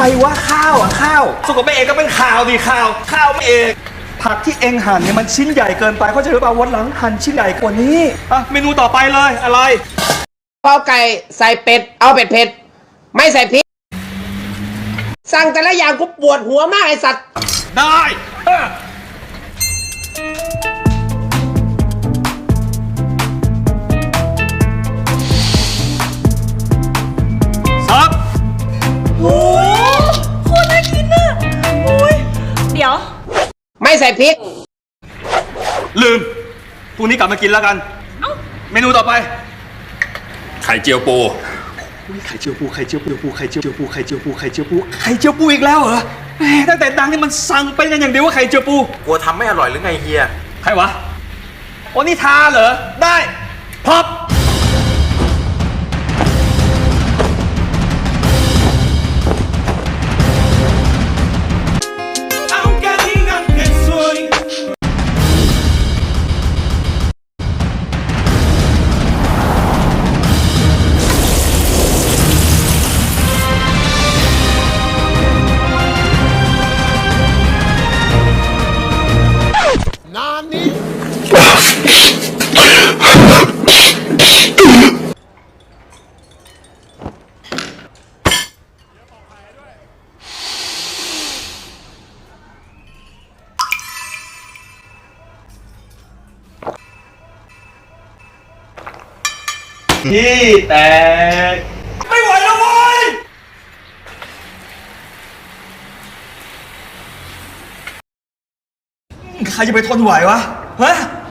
รวะข้าวอ่ะข้าวสุกกับแม่เอกก็เป็นข่าวดิข่าวแม่เอกผักที่เองหั่นเนี่ยมันชิ้นใหญ่เกินไปเขาใจหรือเปล่าวันหลังหั่นชิ้นใหญ่กว่านี้อ่ะเมนูต่อไปเลยอะไรเปาไก่ใส่เป็ดเอาเป็ดเผ็ดไม่ใส่พริกสั่งแต่ละอย่างกูปวดหัวมากไอสัตว์ได้ซับโอ้โคตรน่ากินอ่ะโอ้ยเดี๋ยวไม่ใส่พริกลืมพรุ่งนี้กลับมากินแล้วกันเมนูต่อไปไข่เจียวปูไข่เจียวปูไข่เจียวปูไข่เจียวปูไข่เจียวปูไข่เจียวปูไข่เจียวปูอีกแล้วเหรอแหมตั้งแต่ดังนี่มันสั่งเป็นกันอย่างเดียวว่าไข่เจียวปูกลัวทำไม่อร่อยหรือไงเฮียใครวะโอนิทาเหรอได้พอบที่แตกไม่ไหวแล้วเว้ยใครจะไปทนไหววะฮะ